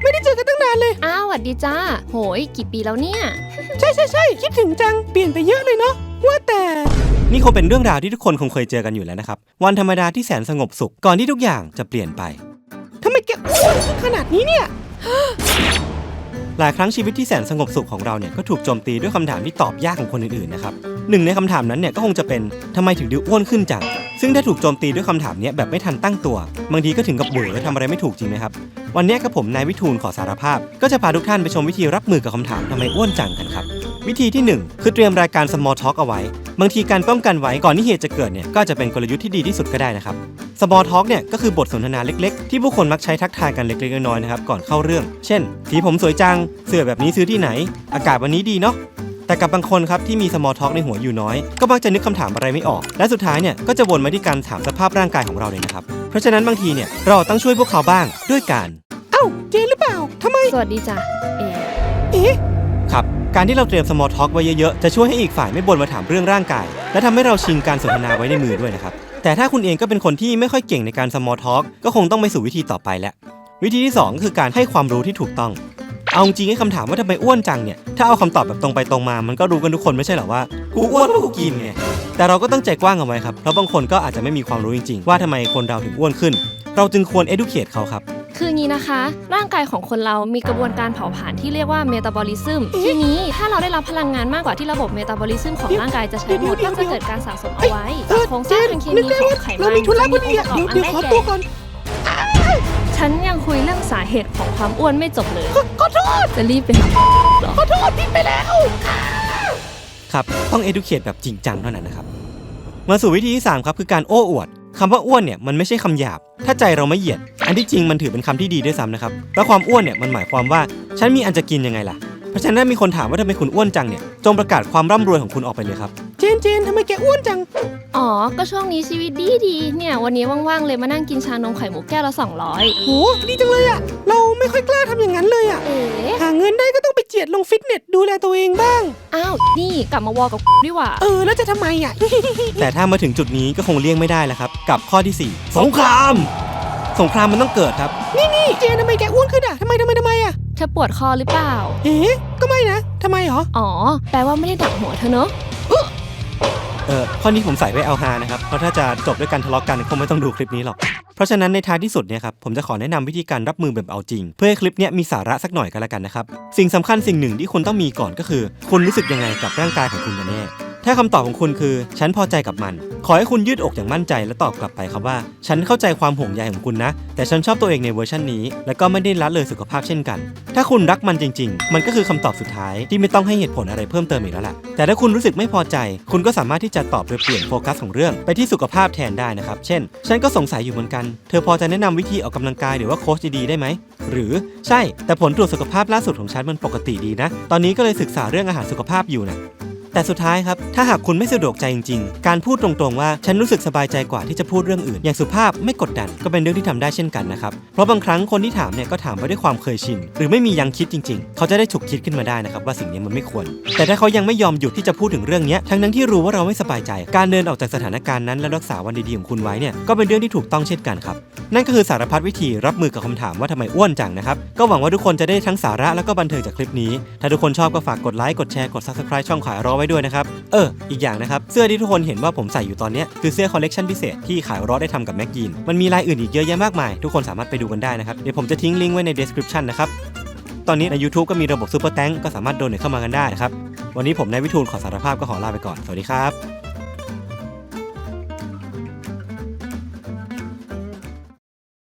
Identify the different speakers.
Speaker 1: ไม่ได้เจอกันตั้งนานเลย
Speaker 2: อ้าวสวัสดีจ้าโหยกี่ปีแล้วเนี่ย
Speaker 1: ใช่คิดถึงจังเปลี่ยนไปเยอะเลยเนาะว่าแต่นี่คงเป็นเรื่องราวที่ทุกคนคงเคยเจอกันอยู่แล้วนะครับวันธรรมดาที่แสนสงบสุขก่อนที่ทุกอย่างจะเปลี่ยนไปทำไมแกอ้วนขนาดนี้เนี่ยหลายครั้งชีวิตที่แสนสงบสุขของเราเนี่ยก็ถูกโจมตีด้วยคำถามที่ตอบยากของคนอื่นๆนะครับหนึ่งในคำถามนั้นเนี่ยก็คงจะเป็นทำไมถึงดูอ้วนขึ้นจังซึ่งถ้าถูกโจมตีด้วยคำถามนี้แบบไม่ทันตั้งตัวบางทีก็ถึงกับเบื่อและทำอะไรไม่ถูกจริงไหมครับวันนี้กับผมนายวิทูลขอสารภาพก็จะพาทุกท่านไปชมวิธีรับมือกับคำถามทำไมอ้วนจังกันครับวิธีที่1คือเตรียมรายการ small talk เอาไว้บางทีการป้องกันไว้ก่อนที่เหตุจะเกิดเนี่ยก็จะเป็นกลยุทธ์ที่ดีที่สุดก็ได้นะครับ small talk เนี่ยก็คือบทสนทนาเล็กๆที่ผู้คนมักใช้ทักทายกันเล็กๆน้อยๆนะครับก่อนเข้าเรื่องเช่นสีผมสวยจังเสื้อแบบนี้ซื้อที่ไหนอากาศวันนี้ดีเนาะแต่กับบางคนครับที่มี small talk ในหัวอยู่น้อยก็มักจะนึกคำถามอะไรไม่ออกและสุดท้ายเนี่ยก็จะวนมาที่การถามสภาพร่างกายของเราเลยนะครับเพราะฉะนั้นบางทีเนี่ยเราต้องช่วยพวกเขาบ้างด้วยการเจนหรือเปล่าทำไม
Speaker 2: สวัสดีจ้ะ
Speaker 1: ครับการที่เราเตรียม small talk ไว้เยอะๆจะช่วยให้อีกฝ่ายไม่บ่นมาถามเรื่องร่างกายและทำให้เราชิงการสนทนาไว้ในมือด้วยนะครับแต่ถ้าคุณเองก็เป็นคนที่ไม่ค่อยเก่งในการ small talk ก็คงต้องไปสู่วิธีต่อไปแล้ววิธีที่2ก็คือการให้ความรู้ที่ถูกต้องเอาจริงให้คำถามว่าทำไมอ้วนจังเนี่ยถ้าเอาคำตอบแบบตรงไปตรงมามันก็รู้กันทุกคนไม่ใช่หรอว่ากูอ้วนเพราะกูกินไงแต่เราก็ต้องใจกว้างเอาไว้ครับเพราะบางคนก็อาจจะไม่มีความรู้จริงๆว่าทำไมคนเราถึงอ้วนขึ้นเราจึงควร educate เขาครับ
Speaker 2: คืองี้นะคะร่างกายของคนเรามีกระบวนการเผาผลาญที่เรียกว่าเมตาบอลิซึมทีนี้ถ้าเราได้รับพลังงานมากกว่าที่ระบบเมตาบอลิซึมของร่างกายจะใช้หมดก็จะเกิดการสะสมเอาไว้โครงสร้างทางเคมีของไขมันที่มีประกอบอันได้แก่ฉันยังคุยเรื่องสาเหตุของความอ้วนไม่จบเลย
Speaker 1: ขอโทษ
Speaker 2: จะรีบไปหา
Speaker 1: ขอโทษผิดไปแล้วครับต้อง educate แบบจริงจังเท่านั้นนะครับมาสู่วิธีที่3ครับคือการโอ้อวดคำว่าอ้วนเนี่ยมันไม่ใช่คำหยาบถ้าใจเราไม่เหยียดอันที่จริงมันถือเป็นคำที่ดีด้วยซ้ำนะครับแล้วความอ้วนเนี่ยมันหมายความว่าฉันมีอันจะกินยังไงล่ะเพราะฉะนั้นมีคนถามว่าทำไมคุณอ้วนจังเนี่ยจงประกาศความร่ำรวยของคุณออกไปเลยครับเจนทำไมแกอ้วนจัง
Speaker 2: อ๋อก็ช่วงนี้ชีวิตดีเนี่ยวันนี้ว่างๆเลยมานั่งกินชานมไข่มุกแก้วละ200
Speaker 1: โหดีจังเลยอ่ะเราไม่ค่อยกล้าทำอย่างนั้นเลยอ่ะหาเงินได้ก็ต้องไปเจียดลงฟิตเนสดูแลตัวเองบ้าง
Speaker 2: อ้าวนี่กลับมาวอกับดีกว่า
Speaker 1: แล้วจะทำไมอ่ะ แต่ถ้ามาถึงจุดนี้ก็คงเลี่ยงไม่ได้แล้วครับกับข้อที่4สงครามมันต้องเกิดครับนี่เจนทำไมแกอ้วนขึ้นอ่ะทำไมอ่ะ
Speaker 2: เธอปวดคอหรือเปล่า
Speaker 1: ก็ไม่นะทำไมหรอ
Speaker 2: อ๋อแปลว่าไม่ได้ดักหัวเธอเนอะ
Speaker 1: ข้อนี้ผมใส่ไว้เอาฮานะครับเพราะถ้าจะจบด้วยการทะเลาะกันคงไม่ต้องดูคลิปนี้หรอกเพราะฉะนั้นในท้ายที่สุดเนี่ยครับผมจะขอแนะนำวิธีการรับมือแบบเอาจริงเพื่อให้คลิปนี้มีสาระสักหน่อยกันละกันนะครับสิ่งสำคัญสิ่งหนึ่งที่คุณต้องมีก่อนก็คือคุณรู้สึกยังไงกับร่างกายของคุณกันแน่ถ้าคำตอบของคุณคือฉันพอใจกับมันขอให้คุณยืดอกอย่างมั่นใจและตอบกลับไปครับว่าฉันเข้าใจความห่วงใยของคุณนะแต่ฉันชอบตัวเองในเวอร์ชันนี้และก็ไม่ได้ละเลยสุขภาพเช่นกันถ้าคุณรักมันจริงๆมันก็คือคำตอบสุดท้ายที่ไม่ต้องให้เหตุผลอะไรเพิ่มเติมอีกแล้วแหละแต่ถ้าคุณรู้สึกไม่พอใจคุณก็สามารถที่จะตอบโดยเปลี่ยนโฟกัสของเรื่องไปที่สุขภาพแทนได้นะครับเช่นฉันก็สงสัยอยู่เหมือนกันเธอพอจะแนะนำวิธีออกกำลังกายหรือว่าโค้ชดีๆได้ไหมหรือใช่แต่ผลตรวจสุขภาพล่าสุดของฉันมันปกติดีนะตอนนี้ก็เลยศึกษาเรื่องอาหารสุขภาพอยู่นะแต่สุดท้ายครับถ้าหากคุณไม่สะดวกใจจริงๆการพูดตรงๆว่าฉันรู้สึกสบายใจกว่าที่จะพูดเรื่องอื่นอย่างสุภาพไม่กดดันก็เป็นเรื่องที่ทำได้เช่นกันนะครับเพราะบางครั้งคนที่ถามเนี่ยก็ถามไปด้วยความเคยชินหรือไม่มียังคิดจริงๆเขาจะได้ฉุกคิดขึ้นมาได้นะครับว่าสิ่งนี้มันไม่ควรแต่ถ้าเขายังไม่ยอมหยุดที่จะพูดถึงเรื่องนี้ทั้งที่รู้ว่าเราไม่สบายใจการเดินออกจากสถานการณ์นั้นและรักษาวันดีๆของคุณไว้เนี่ยก็เป็นเรื่องที่ถูกต้องเช่นกันครับนั่นก็คือสารพัดวิธีรับมือกับคำถามว่าทำไมอ้วนจังนะครับก็หวังว่าทุกคนจะได้ทั้งสาระแล้วก็บันเทิงจากคลิปนี้ถ้าทุกคนชอบก็ฝากกดไลค์กดแชร์กด Subscribe ช่องขายรอไว้ด้วยนะครับอีกอย่างนะครับเสื้อที่ทุกคนเห็นว่าผมใส่อยู่ตอนนี้คือเสื้อคอลเลกชันพิเศษที่ขายรอได้ทำกับแม็กยีนมันมีลายอื่นอีกเยอะแยะมากมายทุกคนสามารถไปดูกันได้นะครับเดี๋ยวผมจะทิ้งลิงก์ไว้ใน description นะครับตอนนี้ใน YouTube ก็มีระบบ Super Thanks ก็สามารถโดเนทเข้ามากันได้นะครับวันนี้ผมนายวิทูลขอสารภาพก็ขอลาไปก่อนสวัสดีครับ